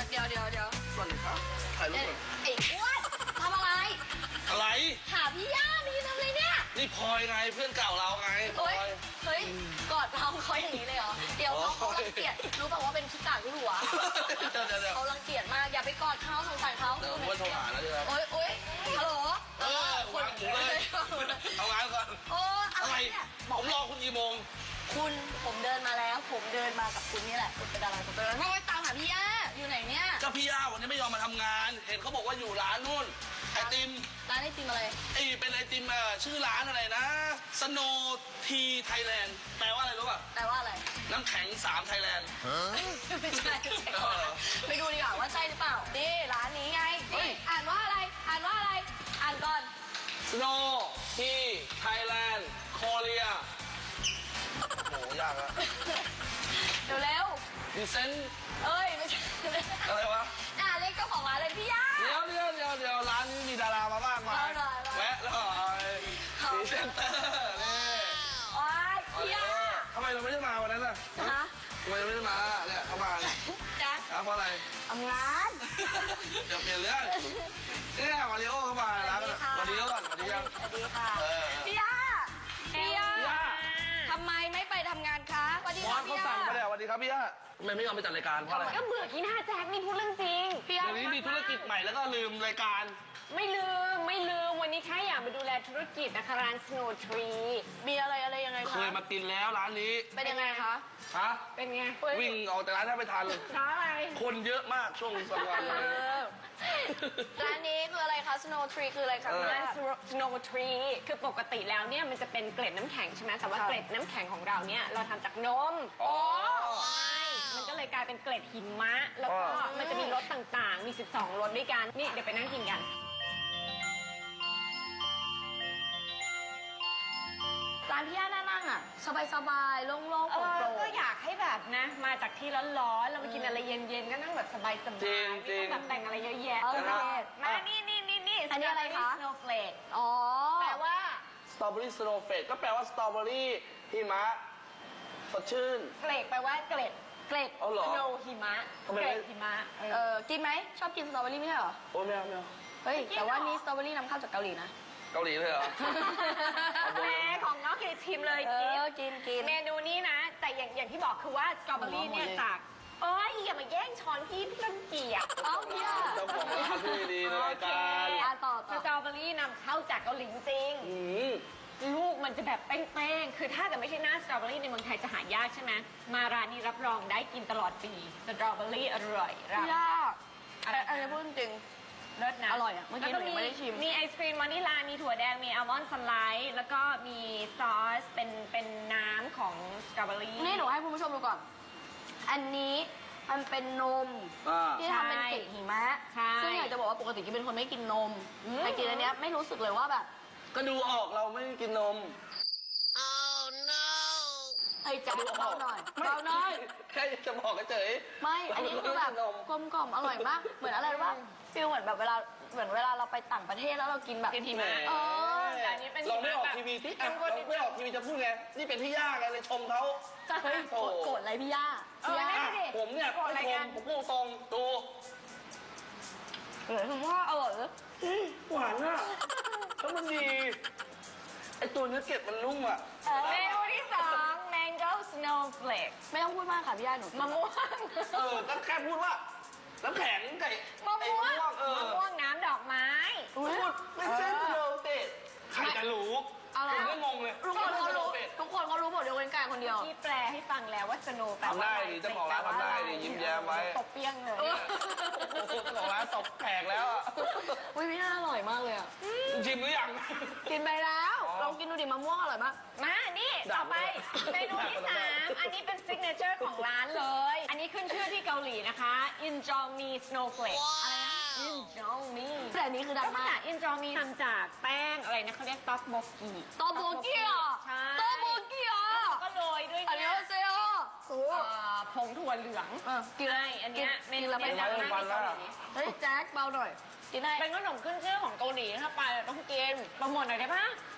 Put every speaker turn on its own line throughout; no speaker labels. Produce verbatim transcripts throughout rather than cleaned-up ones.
เดี๋ยวเดี๋ยวเดี๋ยว
สวัสดีครับถ่ายรูปก่อน
ไอ้อ้วนทำอะไร
อะไร
หาพี่ย่ามีทำอะไรเนี่ย
นี่พลอยไงเพื่อนเก่าเราไงพล
เฮ้
อย ย
เฮ้ยกอดเราเขาอย่างนี้เลยเหรอเดี๋ยวเขาเขารังเกียจรู้ป่าวว่าเป็นขี้กากที่หัว
เดี๋ยวเดี๋ยวเดี๋ยว
เขารังเกียจมากอย่าไปกอดเขาสงสารเขา
เดี๋ยวผมว่าโทรหาแล้วดีครับ
โอ๊ยโอ๊ยฮัลโหล
เออวางหูเลยเอางานก่อน
โอ้อะ
อะไร ไร
เนี่ย
ผมรอคุณกี่โมง
คุณผมเดินมาแล้ว ผมเดินมากับคุณนี่แหละคุณเป็นอะไรผมเป็นอะไรไม่ตามหาพี่ย่าอยู่ไหนเนี่ย
เจ้าพี่ย่าวันนี้ไม่ยอมมาทำงาน เห็นเขาบอกว่าอยู่ร้านนู่นไอติม
ร้านไอติมอะไร
ไอเป็นไอติมเอ่อชื่อร้านอะไรนะ Snow Tea Thailand แปลว่าอะไรรู้ป่ะ
แปลว่าอะไร
น้ำแข็งสามไทยแลนด์
ไม่ใช่ไม่ใช่
เออ
ไปดูดีกว่าว่าใช่หรือเปล่านี่ร้านนี้ไง
เฮ้
นี่
ย
อ่านว่าอะไร อ่านว่าอะไร อ่านก่อน
Snow Tea Thailand Korea โหยากอะ
เดี๋ยวเร็ว
ดิเซน
เอ้ยไม่ใช่
อะไรวะ
อ่าเรียกเจ้าของร้านเลยพี่ย่า
เดี๋ยวเดี๋ยวเดี๋ยวเดี๋ยวร้านนี้มีดารามาบ้างไหม
เอาหน่อยเอาหน่อย
แวะหน่อยพรีเซนเตอร์นี่
โอ้ยพี่ย่า
ทำไมเราไม่ได้มาวันนั้นน่ะ
ฮะ
ทำไมเราไม่ได้มาเนี่ยเขามาเนี่ย
แจ๊ค
อ่ะเพราะอะไร
ทำงาน
เดี๋ยวเปลี่ยนเรื่องเนี่ยมาริโอเข้ามาร้านกันมาริโอก่อนมาริโอ
สวัสดีค่ะ
เออ
พี่ย่าพี่ย่า
พี่ย่า
ทำไมไม่ไปทำงานคะสวัสดี
มอ
ค่ะ
นเขา
พี่ย่า
สั่งไปแล้วสวัสดีครับพี่ย่าทำไมไม่ยอมไปจัดรายการเพราะอะไร
ก็เบื่อขี้หน้าแจ็คนี่พูดเรื่องจริง
พี่ย่า
เดี๋ยวนี้มีธุรกิจใหม่แล้วก็ลืมรายการ
ไม่ลืมไม่ลืมวันนี้แค่อยากมาดูแลธุรกิจนะคะร้าน Snow Tree
มีอะไรอะไรยังไง
เค
คะ
ยมากินแล้วร้านนี้
เป็นยังไงคะ
ฮะ
เป็นไง
วิ่งออกจากร้านแทบไม่ทัน
ร้านอะไร
คนเยอะมากช่วงสองวัน
เออร้านนี้คืออะไรคะ Snow Tree คืออะไรคะ
เออ
พี่
ร้า
ย่า
น Snow Tree คือปกติแล้วเนี่ยมันจะเป็นเกล็ดน้ำแข็งใช่ไหมแต่ว่า
ค่ะ
เกล็ดน้ำแข็งของเราเนี่ยเราทำจากนม
อ๋อ
ใช่มันก็เลยกลายเป็นเกล็ดหิมะ แล้วก็
อ๋อ
มันจะมีรสต่างๆ มี สิบสองรสด้วยกัน นี่เดี๋ยวไปนั่งกินกัน
ร้านพี่ย่าน่านั่งอ่ะ สบายๆ โล่งๆ
เอ
โปร่
อง ก็อยากให้แบบนะ มาจากที่ร้อนๆ เราไปกินอะไรเย็นๆ ก็นั่งแบบสบายๆ
จริง
ไม่ต้องแบบแต่งอะไรเยอะแยะ
ๆโอเค
มา นี่นี่นี่นี่
อันนี้อะไรคะ
สโนว์เฟลก
อ๋อ
แปลว่า
สตรอเบอรี่สโนว์เฟสก็แปลว่าสตรอเบอรี่หิมะสดชื่น
เฟลกแปลว่าเกล็ด
เกล็ด
เอาเหรอ
สโนว์หิมะ
ทำไม
เก
ไม่
ล็ดหิมะเอ
เอ
อ
อกินไหม ชอบกินสตรอเบอรี่ไม่ใช่เหรอ
โอ้ไม่เอาไม่เอา
เฮ้ย
กิน
แต่ว่า
เหรอ
นี่สตรอเบอรี่นำเข้าจากเกาหลีนะ
เกาหลีเลยเหรอ
แหมของน้องคือชิมเลย
เอ
กิน
อ กินกิน
เมนูนี้นะ แต่อย่างอย่างที่บอกคือว่าสตรอเบอรี่เนี่ยจากเอ้ยอย่ามาแย่งช้อนพี่พี่รังเกียจ
เอ้าพี่ย่า
เจ้าของร้านที่ดีในรายการ
อ่ะต่อ
ส
ต่อ
ตรอเบอรี่นำเข้าจากเกาหลีจริง
อืม
ลูกมันจะแบบเป้งๆ คือถ้าแต่ไม่ใช่หน้าสตรอเบอรี่ในเมืองไทยจะหายากใช่ไหม มาร้านนี้รับรองได้กินตลอดปี สตรอเบอรี่อร่อยรับ
พี่ย่า
อะไร
อันนี้พูดจริง
เลิศนะ
อร่อยอะเมื่อกี้
แล้ว
หนูยังไม่ได้ชิม
มีไอศครีมวานิลา มีถั่วแดง มีอัลมอนด์สไลด์ แล้วก็มีซอส เป็นเป็นน้ำของสตรอเบอรี่
นี่หนูให้คุณผู้ชมดูก่อน อันนี้มันเป็นนม
อ่า
ที่ทำเป็นเกล็ดหิมะ
ใช่
ซึ่งอยากจะบอกว่าปกติกิ๊บเป็นคนไม่กินนม
อืม
แต่กินอันเนี้ยไม่รู้สึกเลยว่าแบบ
ก็ดูออกเราไม่กินนม
ไอ้ยจับเบาหน่อยเบาหน่อย
แค่จะบอกเฉย
ไม่ อันนี้คือแบบกลมกล่อมอร่อยมาก เหมือนอะไรรู้ป่ะฟิลเหมือนแบบเวลา เหมือนเวลาเราไปต่างประเทศแล้วเรากินแบบ
กินหิ
แหม
มะ
เออ
แต่อันนี้เป็น
เราไม่ออก
แบบ
ทีวีที่อ่ะ
เป็นคน
เราไม่ออกทีวีจะพูดไง นี่เป็นพี่ย่าไงเลยชมเขา
เฮ้ยโกรธโกรธอะไรพี่ย่า
เอ
พี่
อ
ย่า
นั่นดิ
ผมเนี่ย
โกรธอะไร
ไม่ช
กั
ม
น
ผมพูดตรงดู
เออคือว่าอร่อยเหรอ
หวานอ่ะแล้วมันดีไอตัวเนื้อเกล็ดมันนุ่มอ่ะ
เมนูที่สอง mango snowflake
ไม่ต้องพูดมากค่ะพี่ย่าหนู
มะม่วง
เออก็แค่พูดว่าน้ำแข็งไก่
มะ
ไอ้
ม่วง
ม่วงเออ
มะม่วงน้ำดอกไม้
อุ๊ย
พูดไม่ใช่สโนว์เฟสใครจะรู้
เอาละ
ผมก็งงเลย
ทุกคนเขารู้
เฟส
ทุกคนเขารู้หมดยกเว้นกายคนเดียว
ที่แปลให้ฟังแล้วว่า snow แปลว่า
ทำได้
อะไร
ดิเจ้าของร้านทำได้ดิยิ้มแย้มไว้
ตบเปี้ยงเลย
เจ้าของร้านตบแขกแล้วอ่ะ
อุ้ยพี่ย่าอร่อยมากเลยอ่ะ
ชิมหรือยัง
กินไปแล้ว
อ๋อ
ลองกินดูดิมะม่วงอร่อยมาก
มา นี่ ต่อไป เมนูที่สามอันนี้เป็นซิกเนเจอร์ของร้านเลย อันนี้ขึ้นชื่อที่เกาหลีนะคะ Injolmi Snowflake อะไรนะ Injolmi
แต่อันนี้คือดั
ก็
ง
มา
มา
จาก ก Injolmi ทำจากแป้งอะไรนะเขาเรียกต๊อกโบกี
โตโบเกีย
ใช่
โตโบเกีย
ก็โรยด้วย
อันนี้
เนี่ย
เซโอโอ้
เอ่อผงถั่วเหลือง
เออกิน
ใช่อันเนี้ยเมนู
กินแล้ว
เนี้ย
ไม่
ดังมาก
วัน
ใน
ละ
เกาหลี
เฮ้ยแจ็คเบาหน่อย กินได้
เป็นขนมขึ้นชื่อของเกาหลีถ้าไปเราต้องกินโปรโมทหน่อยได้ปะ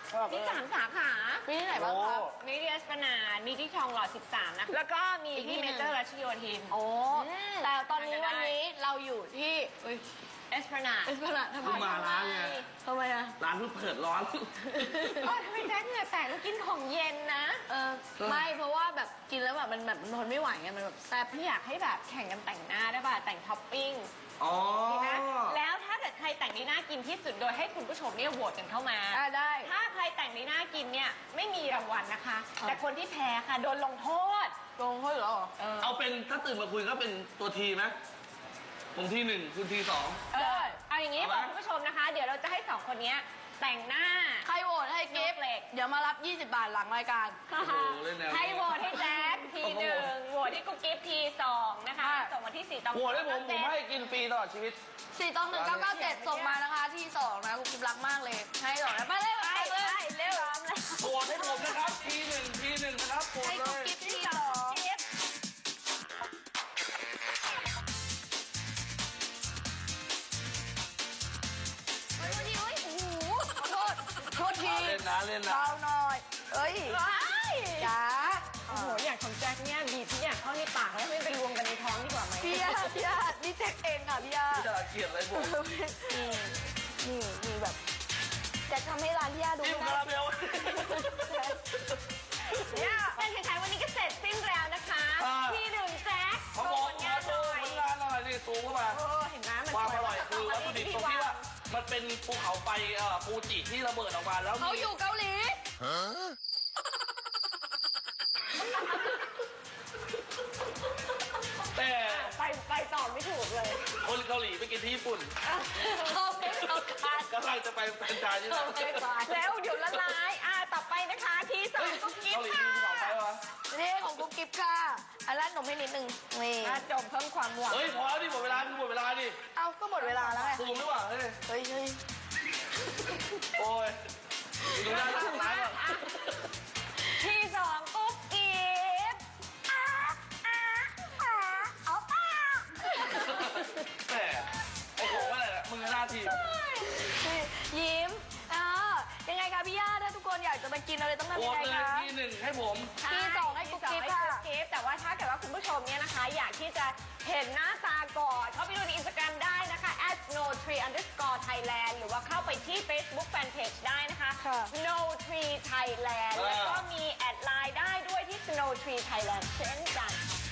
มีสามสาขา
มีที่ไหนบ้างคะ
มีที่เอสพลานาดมีที่ทองหล่อสิบสามนะแล้วก็มี
อีกที่
ที่
หนึ่
เม
ง
เจอร์รัชโยธิน
โอ้
อืม
แต่ตอนนี้
ทานกันได้
วันนี้เราอยู่ที่เอ้ย
เอสพลานาด
เป็นขนาดทำไม
เพิ่งมาร้านไง
ทำไมอะ
ร้านเพิ่งเปิดร้อน
โอ้ทำไมแจ็คเหงื่อแตกแล้วกินของเย็นนะ
เออไม่เพราะว่าแบบกินแล้วแบบมันแบบมันทนไม่ไหวไงมันแบบแซ่บ
พี่อยากให้แบบแข่งกันแต่งหน้าได้ป่ะแต่งท็อปปิ้ง
อ๋อ
ดีนะแล้วถ้าเกิดใครแต่งได้น่ากินที่สุดโดยให้คุณผู้ชมเนี่ยโหวตกันเข้ามา
อ่ะได้
ถ้าใครแต่งได้น่ากินเนี่ยไม่มีรางวัลนะคะ
อ่ะ
แต่คนที่แพ้ค่ะโดนลงโทษ
ลงเขาเหรอ
เออ
เอาเป็นถ้าตื่นมาคุยก็เป็นตัวทีไหมผมทีหนึ่งคุณทีสอง
เออเอาอย่างนี้
เอา
บ
ไหม
อกคุณผู้ชมนะคะ เดี๋ยวเราจะให้สองคนเนี้ยแต่งหน้า
ใครโหวตให้กิฟต์
Snowflake
เดี๋ยวมารับ ยี่สิบบาทหลังรายการ
โอ้โหเล่นแนว
ให้โหวตให้แจ็คทีหนึ่งโหวตให้กุ๊กกิ๊บทีสองนะคะ
ค่ะ
ส่งมาที่สี่ตอง
โหวตให้ผมผมให้กินฟรีตลอดชีวิต
สี่ตองหนึ่งเก้าเก้าเจ็ดส่งมานะคะที่สองนะคุณกิฟต์รักมากเลย ให้สองนะไปเลย
ไป
ไปเลย
ไปเร็วพร้อมเลย
โหวตให้ผมนะครับทีหนึ่งทีหนึ่งนะครับโหวต
ให้
เล
กุ๊ก
ย
กิ๊บที่สอง
กิ๊บ
เฮ้ยวันนี้เฮ้ยโอ้โหขอโทษโทษที
เล่นนะเล่นนะ
เบาหน่อยเอ้ย
ว้าย
จ๋า
โอ้โหอย่างของแจ็คเนี่ยบีบทุกอย่างเข้าในปากแล้วไม่ไปรวมกันในท้องดีกว่าไหม
พี่ยาพี่ยานี่เจ๊กเองค่ะพี่ยา
พี่จะเกลียดอะไรผม
นี่นี่นี่แบบจะทำให้ร้านพี่ยาดู
จิ้ม
ไม่
คา
ได้
ราเมล
เนี่ยการแข่งขันวันนี้ก็เสร็จสิ้นแล้วนะคะ
อ่า
ที่หนึ่งแจ็ค
เขา
โช
บอ
ว์
ก
ผล
มาง
านห
ดู
น่อย
ผลงานหน่อยนี่ซูมเข้ามา
เออเห็นไหมมัน
ความ
ส
อ
วย
ร่อยคือวัตถุดิบตรงที่ว่ามันเป็นภูเขาไฟเอ่อฟูจิที่ระเบิดออกมาแล้ว
เขา
มี
อยู่เกาหลี
แต่
ไปไปต่อไม่ถูกเลย
คนเกาหลีไปกินที่ญี่ปุ่น
เขาไม่เขาคาด
กำลังจะไปแฟรนไชส์ที่
เขา
นั่น
ไม่คาด
แล้วเดี๋ยวละลายอ่าต่อไปนะคะที่สองกุ๊กกิ๊บ
เกาหลี
ค่ะ
มีภูเขาไฟวะ
นี่ของกุ๊กกิ๊บค่ะอันแรกหนมให้นิดนึงนี่
มาจมเพิ่มความหวาน
เฮ้ยพอแล้วดิหมดเวลาคือหมดเวลาดิ
เอาก็หมดเวลาแล้วไง
ซูมดีกว่าเฮ้ย
เฮ้ยเฮ้ย
โอ้ยดูหน้าดูหน้าก่อน
ที่สองกุ๊กกิ๊บอ่าอ่าอ่าเอาเปล่า
แต่ไอ้ผมว่าอะไรนะมือหน้าทีม
ยิ้มเออยังไงคะพี่ย่าถ้าทุกคนอยากจะมากินอะไรต้องทำ
โหว
ยัง
ต
ไง
เลย
คะ
ทีหนึ่งให้ผม
ที่สองให้กุ๊กกิ๊บ
ที่สองให้
ค่ะ
กุ๊กกิ๊บแต่ว่าถ้าเกิดว่าคุณผู้ชมเนี่ยนะคะ อยากที่จะเห็นหน้าตาก่อนเข้าไปดูในอินสตาแกรมได้นะคะ at no tree underscore thailand หรือว่าเข้าไปที่ Facebook Fanpage ได้นะคะ
ค่ะ
no tree thailand แล้วก็มีแอดไลน์ได้ด้วยที่ snow tree thailand เช่นกัน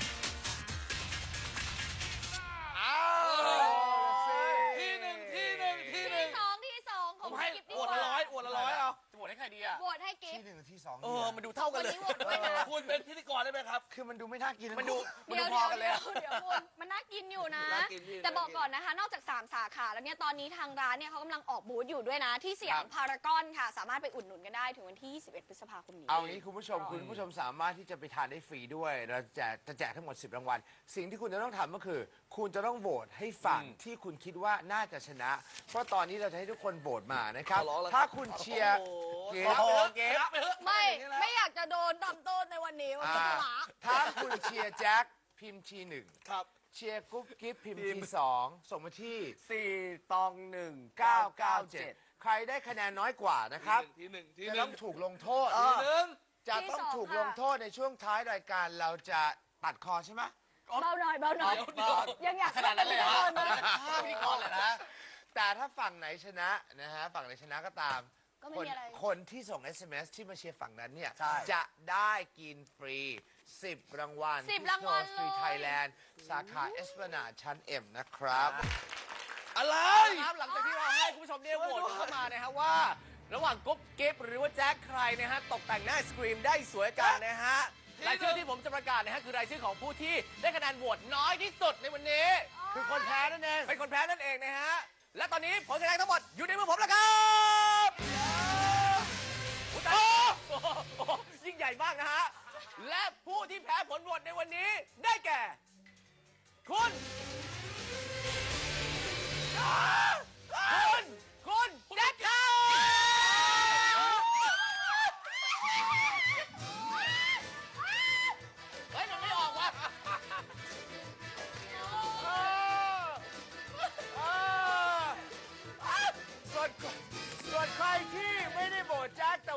อ้าวทีหนึ่งทีหนึ่งทีหนึ่ง
ที่สองที่สองข
ผ
อง
มให้
กิ๊บดี
อวด
ก
ละ
ว่า
ร้อยอวดละร้อยเอา
จะโหวตให้ใครดีอ่ะ
โหวตให้กิ๊บ
ที่หนึ่งกับที่สอง
เออ มันดูเท่ากัน
วัน
เลย
นี้โหวตด้วยนะ
คุณเป็นพิธีกรได้ไหมครับ
คือมันดูไม่น่ากิน
มันดู มัน
เดี๋
ดู
ยว
พอ
เดี๋ยว
กันเลย
เดี๋ย
อะ
วเดี๋ยวคุณมันน่ากินอยู่นะ
น่ากินพี่
แต่บอกก่อนนะคะ นอกจากสามสาขาแล้วเนี่ยตอนนี้ทางร้านเนี่ยเขากำลังออกบูธอยู่ด้วยนะ ที่สยามพารากอนค่ะ สามารถไปอุดหนุนกันได้ถึงวันที่ยี่สิบเอ็ดพฤษภาคมนี้
เอางี้คุณผู้ชมคุณผู้ชมสามารถที่จะไปทานได้ฟรีด้วย เราแจกจะแจกทั้งหมดสิบรางวัล สิ่งที่คุณจะต้องทำก็คือ คุณจะต้องโหวตให้ฝั่งที่คุณคิดว่าน่าจะชนะ เพราะตอนนี้เราจะให้ทุกคนโหวตมานะครับ
ขอร้องแล้ว
ถ้าคุณเชียร์
โอ้
เก
โห
ม
เกมไปเถอะ
ไม่
อย่างนี้แล้ว
ไม่อยากจะโดนทำโทษในวันนี้วัน
อ่า
นี้หวา
ถ้าคุณเชียร์แจ็คพิมพ์ทีหนึ่ง
ครับ
เชียร์กุ๊บกิ๊บพิมพ์ทีสองส่งมาที่
สี่ตองหนึ่ง
เก้าเก้าเจ็ดใครได้คะแนนน้อยกว่านะครับ
ทีหนึ่งที
จะ
หนึ่
ต้อง งถูกลงโทษ
ทีหนึ่ง
จะต้องถูกลงโทษในช่วงท้ายรายการเราจะตัดคอใช่ไหม
เบาหน่อยเบาหน่อย
เดี๋ยวเดี๋ยว
ยังอยาก
ขนาดนั้นเลยเหรอ
นะ
ฆ่าพิธีกรเลยนะ
แต่ถ้าฝั่งไหนชนะนะฮะฝั่งไหนชนะก็ตาม
ก็ไม่
คน
มีอะไร
คนที่ส่ง เอส เอ็ม เอส ที่มาเชียร์ฝั่งนั้นเนี่ย
ใช่
จะได้กินฟรีสิบรางวัล
สิบ
ที่
รางวัล
Snow Street
เลย
Thailand สาขาเอสพลานาดชั้น M นะครับ
อะไร
ครับหลังจากที่เราให้คุณผู้ชมเนี่ยโหวตกันเข้ามานะฮะว่า ระหว่างกุ๊บกิ๊บหรือว่าแจ็คใครนะฮะตกแต่งหน้าไอศกรีมได้สวยกันนะฮะรายชื่อที่ผมจะประกาศนะฮะคือรายชื่อของผู้ที่ได้คะแนนโหวตน้อยที่สุดในวันนี้
คือคนแพ้นั่นเอง
เป็นคนแพ้นั่นเองนะฮะ และตอนนี้ผลคะแนนทั้งหมดอยู่ในมือผมแล้วครับโอ้โหโอ้โหยิ่งใหญ่มากนะฮะ และผู้ที่แพ้ผลโหวตในวันนี้ได้แก่ คุณ คุณ คุณแจ็คครับเฮ้ยมันไม่ออกว่ะ
ส่วนส่วนใครที่ไม่ได้โหวตแจ็คแต่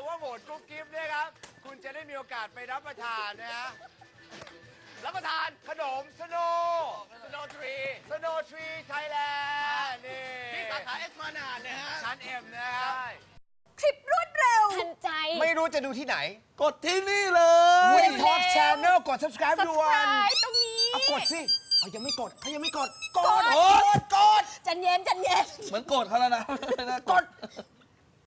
สไปรับประทานนะฮะ
รับประทาน
ขนมสโน
สโนทรี
สโนทรีไทยแลนด์นี่
ที่สาขาเอสมานาดนะฮะ
ชั้นเอ็มนะฮะ
ใช่
คลิปรวดเร็ว
ทันใจ
ไม่รู้จะดูที่ไหน
กดที่นี่เลย
Win Talk Channel กด subscribe ด่วน
subscribe ตรงนี้
เอากดสิเอายังไม่กดเขายังไม่กด กด
กด
กด กด
จันเย็นจันเย็น
เหมือนโกรธเขาแล้วนะ
กด